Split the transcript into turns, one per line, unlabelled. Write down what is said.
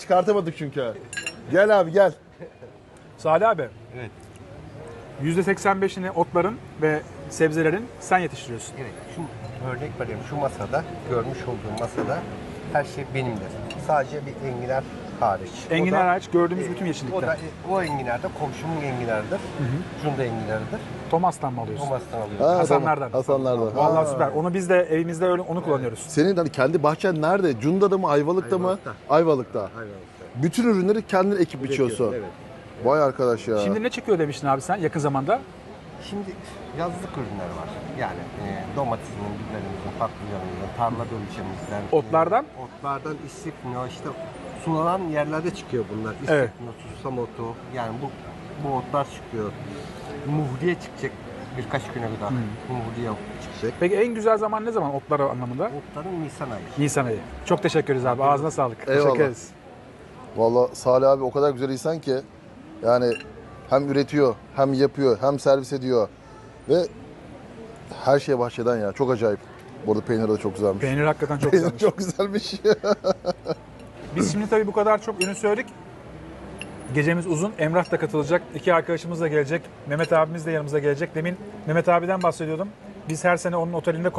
Çıkartamadık çünkü. Gel abi gel.
Salih abi,
Evet.
%85'ini otların ve sebzelerin sen yetiştiriyorsun.
Evet. Şu örnek veriyorum. Şu masada, görmüş olduğum masada her şey benimdir. Sadece bir enginar hariç.
Enginar
O da-
hariç gördüğümüz bütün
O
yeşillikler.
da o enginar da komşumun enginarıdır. Cunda enginarıdır.
Thomas'tan mı alıyorsun?
Thomas'tan alıyorum.
Ha,
Hasanlardan.
tamam. Hasanlardan.
Vallahi
Ha.
süper. Onu biz de evimizde öyle onu kullanıyoruz.
Senin hani kendi bahçen nerede? Cunda'da mı, Ayvalık'ta mı?
Ayvalık'ta.
Ayvalık'ta.
Aynen.
Bütün ürünleri kendin ekip biçiyorsun.
Evet.
Vay arkadaş ya.
Şimdi ne çıkıyor demiştin abi sen yakın zamanda?
Şimdi yazlık ürünler var. Yani domatesin, biberimizin, patlıcanımızın, tarla dönüşümüzden.
Otlardan?
Otlardan istifno, işte sulanan yerlerde çıkıyor bunlar.
Evet.
İstifno, susam otu. Yani bu otlar çıkıyor. Muhriye çıkacak birkaç güne kadar. Muhriye çıkacak.
Peki en güzel zaman ne zaman otlar anlamında?
Otların Nisan ayı.
Nisan ayı. Çok teşekkür ederiz abi. Ağzına sağlık.
Eyvallah.
Teşekkür ederiz.
Vallahi Salih abi o kadar güzel insan ki yani hem üretiyor, hem yapıyor, hem servis ediyor ve her şey bahçeden ya. Çok acayip. Bu arada peynir de çok güzelmiş.
Peynir hakikaten çok
Peynir
güzelmiş.
çok güzelmiş.
Biz şimdi tabii bu kadar çok ürün söyledik. Gecemiz uzun. Emrah da katılacak. İki arkadaşımız da gelecek. Mehmet abimiz de yanımıza gelecek. Demin Mehmet abiden bahsediyordum. Biz her sene onun otelinde